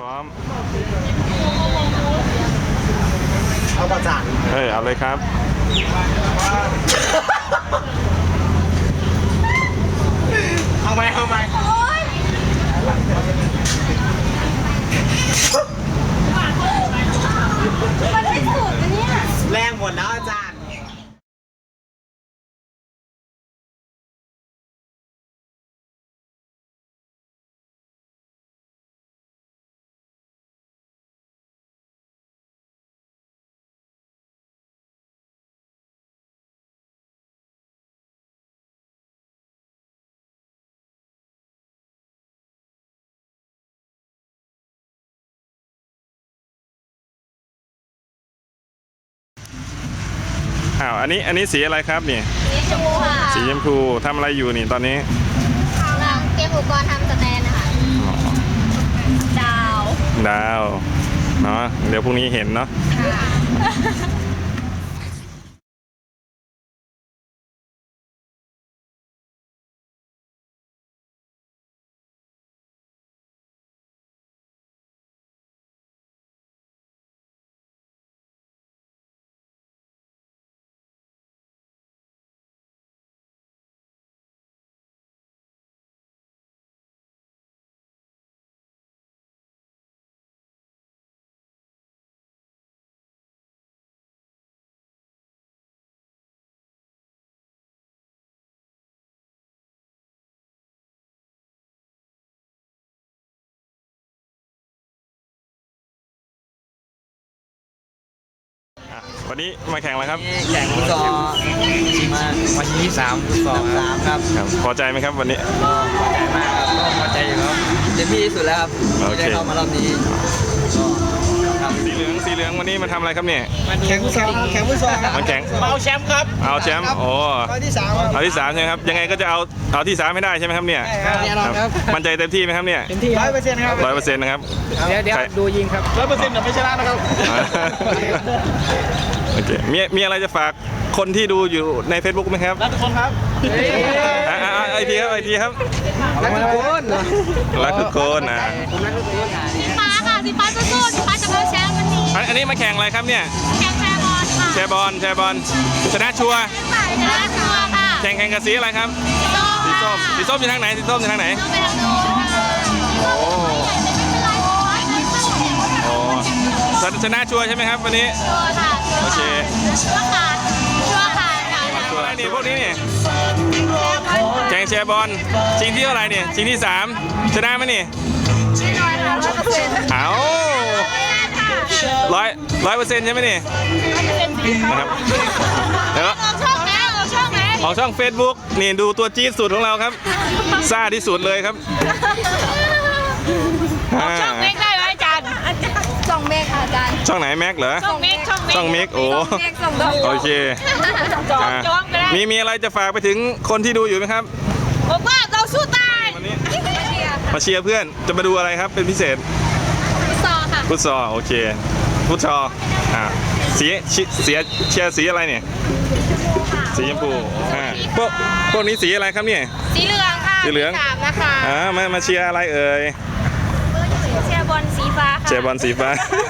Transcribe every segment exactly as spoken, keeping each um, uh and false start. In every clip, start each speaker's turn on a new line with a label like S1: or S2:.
S1: ร้อม
S2: เอาประจาน
S1: เฮ้ยเอาเลยครับ
S2: เอาไหมเอาไหม
S3: มันไม่สุดนะเนี่ย
S2: แรงหมดแล้วอาจารย์
S1: อ้าวอันนี้อันนี้สีอะไรครับนี่
S3: สีชมพูค่ะ
S1: สีชมพูทำอะไรอยู่นี่ตอนนี้
S3: กำลังเตรียมอุปกรณ์ทำสแตนนะคะดาว
S1: ดาวเนาะเดี๋ยวพรุ่งนี้เห็นเนาะวันนี้มาแข่งอะไรครับ
S2: แข่งฟุตซอลมาวันที่สามฟุตซอลครับ
S1: ครับพอใจไหมครับวันนี้
S2: ก็พอใจมากครับก็พอใจอยู่ครับเต็มที่ที่สุดแล้วครับที่ได้เข้ามารอบนี้
S1: สีเหลืองสีเหลืองวันนี้มาทำอะไรครับเนี่ย
S2: แข่งฟุตซอลแข่งฟุตซอล
S1: มาแข่ง
S2: เอาแชมป์ครับ
S1: เอาแชมป์โอ้
S2: เอาที่สาม
S1: เอาที่สามใช่ไหมครับยังไงก็จะเอาเอาที่สามให้ได้ใช่ไหมครับเนี่ยมั่นใจเต็มที่ไหมครับเนี่ย
S2: เต็มที่ร้อยเปอร์เซ็นต์ครับ
S1: ร้อยเปอร์เซ็นต์นะครับ
S2: เดี๋ยวเดี๋ยวดูยิงครับร้อยเปอร์เซ็นต์เดี๋ยวไม่ชนะนะครับ
S1: โอเคมีมีอะไรจะฝากคนที่ดูอยู่ใน Facebook ไหมครับ
S2: รักทุกคนครับ
S1: ไอทีครับไอทีครับ
S2: รักทุกคน
S1: รักทุกคนอ่ะ
S3: สีฟ้าค่ะสีฟ้าสู้ๆสีฟ้าจะเอาแชมป์วันนี้
S1: อันนี้มาแข่งอะไรครับเนี่ย
S3: แข่งแชร์บอลค่ะ
S1: แชร์บอลแชร์บอลชนะชัวร์
S3: ชนะชัวร์ค่ะ
S1: แข่งแข่งกับสีอะไรครับสีส้มสีส้มอยู่ทางไหนสีส้มอยู่ทางไหน
S3: ต้องไปทางโน้นค่ะ
S1: โอ้โหชนะชัวร์ใช่ไหมครับวันนี้
S3: ชัวร์ค่ะ
S1: โอเค
S3: ชัวร์ค่ะชัวร์ค่ะ
S1: ชัวร์นี่พวกนี้นี่แข่งแชร์บอลชิงที่เท่าไหร่เนี่ยชิงที่สามชนะไหมนี่
S3: ไม่น้อยค่ะร้อยเปอร์เซ็นต์
S1: เอาร้อยร้อยเปอร์เซ็นต์ใช่ไหมนี่นะครับเดี๋ยว
S3: ออกช่องไหนออกช่องไหน
S1: ออกช่อง Facebook นี่ดูตัวจี๊ดสุดของเราครับซ่าที่สุดเลยครับ
S3: ออกช่องเมกได้ไหมอาจารย์ช่องเมกค่ะอาจารย์
S1: ช่องไหนแม็กเหรอ
S3: ช่องเมกช่องเมก
S1: ช่องเมกโอ้โอเคมีมีอะไรจะฝากไปถึงคนที่ดูอยู่ไหมครับ
S3: ผมว่าเราสู้ตาย
S1: วันนี้มาเชียร์เพื่อนจะมาดูอะไรครับเป็นพิเศษ
S3: ฟุตซอลค่ะ
S1: ฟุตซอลโอเคฟุตซอลอ่าสีเสียเชียร์สีอะไรเนี่ยสีชมพูอ่าพวกพวกนี้สีอะไรครับเนี่ย
S3: สีเหลืองค่ะ
S1: สีเหลือง
S3: นะคะ
S1: อ่ามามาเชียร์อะไรเอ่ย
S3: เชียร์บอลสีฟ้า
S1: เชียร์บอลสีฟ้า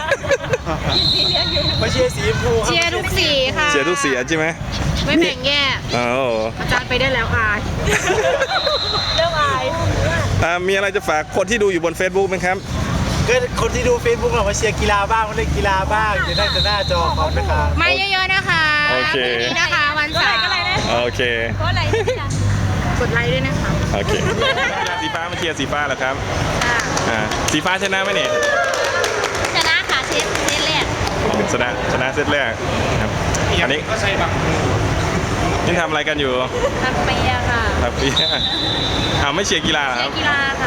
S2: มาเชียร์สีชมพู
S3: เชียร์ทุกสีค่ะ
S1: เชียร์ทุกสีใช่ไหม
S3: ไม่แบ่งแยก
S1: อ๋อ
S3: อาจารย์ไปได้แล้วอายเรื่องอาย
S1: อ่ามีอะไรจะฝากคนที่ดูอยู่บน Facebook ไหมครับ
S2: ก็คนที่ดู Facebook เรามาเชียร์กีฬาบ้างมาเล่นกีฬาบ้างจะได้จะหน้าจอเขานะคะ
S3: มาเยอะๆนะคะ
S1: โอเค
S3: นี้นะคะวันเสาร์
S1: โอเค
S3: ก็ไลค์กดไลค์ด้วยนะคะ
S1: โอเคสีฟ้ามาเชียร์สีฟ้าเหรอครับอ่าสีฟ้าชนะไหมเนี่ย
S3: ชนะค่ะเซตเซตแรก
S1: ชนะชนะเซตแรกครับอันนี้
S2: ก็ใช่บัง
S1: นี่ทำอะไรกันอยู่
S3: ทักเปียค่ะ
S1: ทักเปียอ่าไม่เชียร์กีฬาครับ
S3: กีฬาค่ะ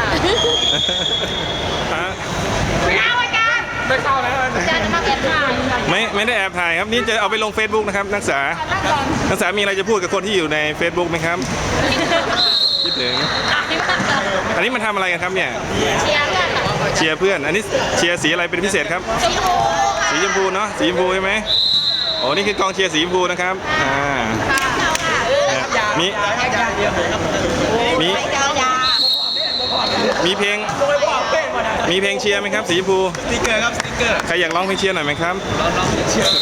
S3: ไม่เอาอาจารย์
S2: ไม่เข้าแล้ว
S3: อาจารย์จะมาแอบถ่าย
S1: ไม่ไม่ได้แอบถ่ายครับนี่จะเอาไปลง Facebook นะครับนักศึกษานักศึกษามีอะไรจะพูดกับคนที่อยู่ใน Facebook ไหมครับคิดถึงอันนี้มันทำอะไรกันครับเนี่ย
S3: เชียร์เพื่อน
S1: เชียร์เพื่อนอันนี้เชียร์สีอะไรเป็นพิเศษครับสีชมพูเนาะสีชมพูใช่ไหมโอ้นี่คือกองเชียร์สีชมพูนะครับอ่ามีมีมีเพลงมีเพลงเชียร์ไหมครับสีชมพู
S2: สติ๊กเกอร์ครับสติ๊กเกอร์
S1: ใครอยากร้องเพลงเชียร์หน่อยไหมครับ
S2: ลองลองเชียร์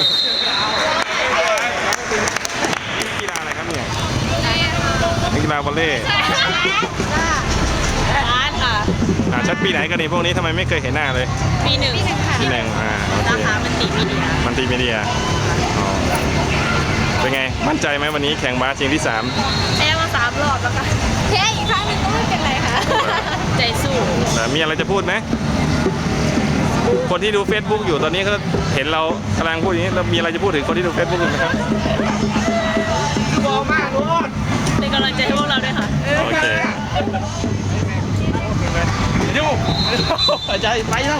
S1: กีฬาอะไรครับเนี่ยนักกีฬาวอลเลย์
S4: ร้านค่ะ
S1: อ่าชัดปีไหนกันนี่พวกนี้ทำไมไม่เคยเห็นหน้าเลย
S4: ปีหนึ่ง
S1: ปีหนึ่งอ่าโอเค
S4: สาขามันติมีเดีย
S1: มันตีมีเดียอ๋อเป็นไงมั่นใจไหมวันนี้แข่งบาสชิงที่สาม
S4: แพ้มาสามรอบแล้วค่ะ
S3: แค่อีกครั้งหนึ่งก็ไม่เป็นไรค่ะ
S4: ใจสู้
S1: แต่มีอะไรจะพูดไหมคนที่ดู Facebook อยู่ตอนนี้ก็เห็นเรากำลังพูดอย่างนี้เรามีอะไรจะพูดถึงคนที่ดู Facebook อยู่ไหมครับ
S2: บอลมากลูก
S4: เป็นกำลังใจให้พวกเราด้วยค่ะ
S1: โอเค
S2: ยูใจไปแล้ว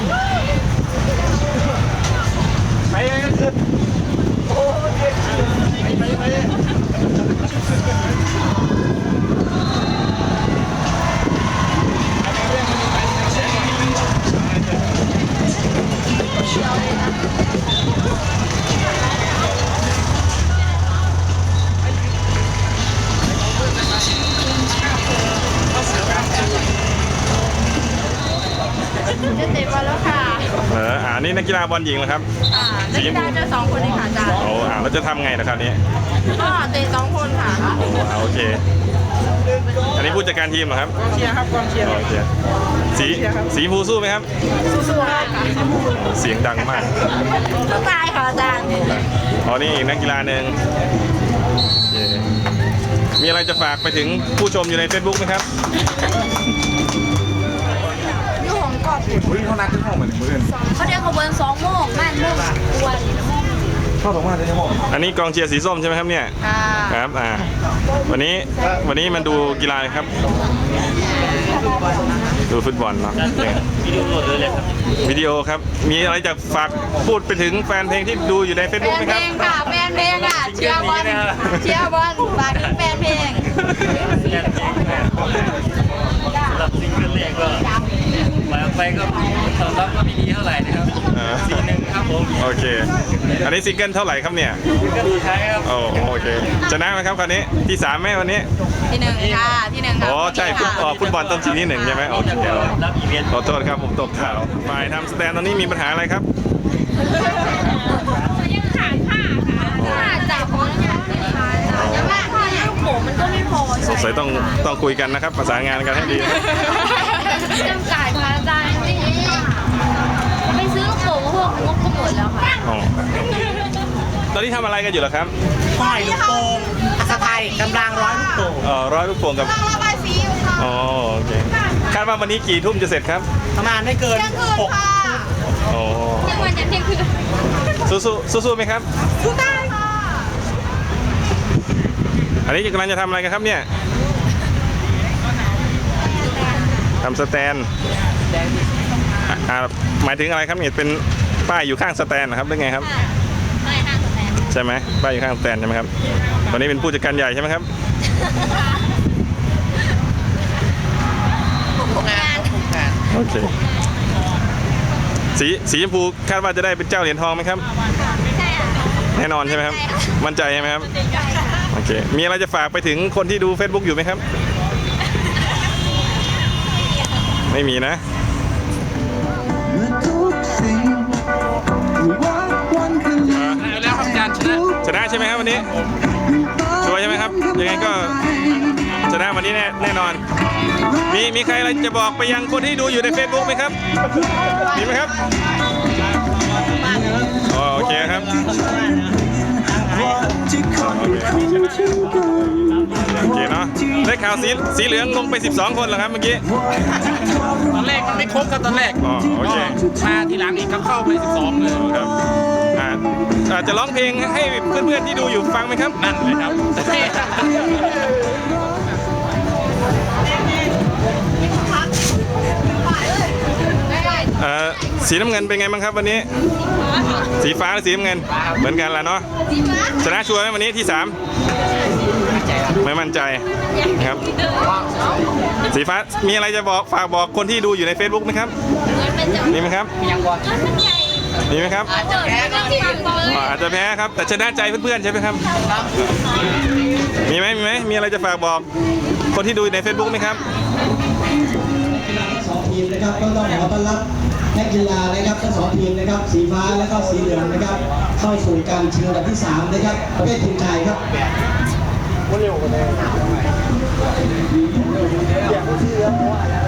S2: ไปกันขึ้นโอ้ยไปไปไป
S4: จะเตะบอลแล้วค่ะ
S1: เอออ่านี่นักกีฬาบอลหญิงเหรอครับ
S4: อ่านักกีฬาจะสองคนเองค่ะอาจารย์
S1: โอ้อ่าเราจะทำไงนะครับนี้
S4: ก็เตะสองคนค่ะ
S1: โอ้อ่าโอเค อันนี้ผู้จัดการทีมเหรอครับ
S2: เชียร์ครับกองเชียร์
S1: โอเคสีสีชมพูสู้ไหมครับ
S4: สู้ๆค่ะ
S1: เสียงดังมาก
S4: สู้ตายค่ะอาจารย์
S1: อ๋อนี่อีกนักกีฬาหนึ่งโอเคมีอะไรจะฝากไปถึงผู้ชมอยู่ใน Facebook ไหมครับ
S3: ลูกของกอบ
S2: อุ้ยเขานัดขึ้นห้องเหมือนมือ
S3: เขาเดินขบวนสองโมงแม่นโมงกวน
S2: เข้าสองวันเลยจะบอก
S1: อันนี้กองเชียร์สีส้มใช่ไหมครับเนี่ย
S4: ค่ะ
S1: ครับอ่าวันนี้วันนี้มันดูกีฬาครับ ดูฟุตบอลเนาะ
S2: วิดีโอหมดเลยครับ
S1: วิดีโอครับ มีอะไรจะฝากพูดไปถึงแฟนเพลงที่ดูอยู่ใน
S3: แฟ
S1: Facebook
S3: น
S1: ไหม
S3: เพ
S1: ค
S3: ล
S1: รับ
S3: งค่ะแฟนเพลงค่ะเชียร์บอลเชียร์บอลฝากถึงแฟนเพลง
S5: สำหรับซิงเกิลแรกก็ปล่อยออกไปก็ตอบรับก็ไม่ดีเท่าไหร่นะครับ
S1: อ่า
S5: สีหนึ่งครับผม
S1: โอเค อันนี้ซิงเกิลเท่าไหร่ครับเนี่ย
S5: ซิงเกิลสุดท้ายครับ
S1: โอ้โอเคชนะไหมครับคราวนี้ที่สามไหมวันนี้
S3: ที่หนึ่งค่ะที่หนึ่งค่ะ
S1: อ๋อใช่ฟุตอ๋อฟุตบอลต้องทีที่หนึ่งใช่ไหมโอเค
S5: รับอีเวนต์
S1: ขอโทษครับผมตกข่าวฝ่ายทำสแตนตอนนี้มีปัญหาอะไรครับ
S3: ถ้าจับของเนี่ยยังไม่พอเนี่ยลูกโป่งมันก็ไม่พอ
S1: สงสัยต้องต้องคุยกันนะครับ ประสานงานกันให้ดี
S3: จำจ่ายพาอาจารย์จริงๆไปซื้อลูกโป่งพวกงบก็หมดแล้วค่ะ
S1: อ๋อตอนนี้ทำอะไรกันอยู่เหรอครับ
S2: ป้ายลูกโป่งอัศไทยกำลังร้อยลูกโป่ง
S1: เอ่อร้อยลูกโป่งกับ
S3: ต้องระบายสีอยู่ค่ะ
S1: อ๋อโอเคคาดว่าวันนี้กี่ทุ่มจะเสร็จครับ
S2: ประมาณไม่เกิน
S3: เที่ยงคืน
S2: หก
S3: ค่ะ
S1: โอ้
S3: เที่ยงวันยันเที่ยงคืน
S1: สู้สู้สู้สู้ๆไหมครับ
S3: สู้ได้ค่ะ
S1: อันนี้กำลังจะทำอะไรกันครับเนี่ยทำสแตนอ่ะอ่าหมายถึงอะไรครับเนี่ยเป็นป้ายอยู่ข้างสแตนนะครับหรือไงครับ
S3: ไม่ห้างสแตน
S1: ใช่ไหมป้ายอยู่ข้างสแตนใช่ไหมครับตอนนี้เป็นผู้จัดการใหญ่ใช่ไหมครับ
S2: งานงาน
S1: โอเคสีสีชมพูคาดว่าจะได้เป็นเจ้าเหรียญทองไหมครับ
S3: ใช่ค่ะ
S1: แน่นอนใช่ไหมครับ มั่นใจใช่ไหมครับ โอเค มีอะไรจะฝากไปถึงคนที่ดู Facebook อยู่ไหมครับ ไม่มีนะ
S2: แล้วครับอาจารย์ชนะ
S1: ชนะใช่ไหมครับวันนี้ ชัวร์ใช่ไหมครับ ยังไงก็ชนะวันนี้แน่แน่นอน มีมีใครอะไรจะบอกไปยังคนที่ดูอยู่ใน Facebook ไหมครับ มีไหมครับอ๋อโอเคครับโอเคเนาะ ได้ข่าวสีสีเหลืองลงไปสิบสองคนเหรอครับเมื่อกี้
S2: ตอนแรกมันไม่ครบครับตอนแรก
S1: อ๋อโอเค
S2: มาทีหลังอีกก็เข้าไปสิบสองเลย
S1: ครับอ่าอ่าจะร้องเพลงให้เพื่อนๆที่ดูอยู่ฟังไหมครับ
S2: นั่นเลยครับ
S1: เอ่อสีน้ำเงินเป็นไงบ้างครับวันนี้ สีฟ้าหรือสีน้ำเงิน เหมือนกันแหละเนาะ ชนะชัวร์ไหมวันนี้ที่สามไม่มั่นใจครับ สีฟ้ามีอะไรจะบอกฝากบอกคนที่ดูอยู่ใน Facebook ไหมครับ มีไหมครับ
S2: ยังบอล
S1: มีไหมครับ
S3: แพ้ก็ที่หนึ่งเลย
S1: อ่าอาจจะแพ้ครับ แต่ชนะใจเพื่อนๆใช่ไหมครับ มีไหมมีไหมมีอะไรจะฝากบอกคนที่ดูใน Facebook ไหมครับ
S6: ทีมนะครับก็ต้องขอต้อนรับนักกีฬานะครับทั้งสองทีมนะครับสีฟ้าและก็สีเหลืองนะครับเข้าสู่การชิงอันดับที่สามนะครับประเภททีมชายครับ
S2: เร็วกว่าเดิม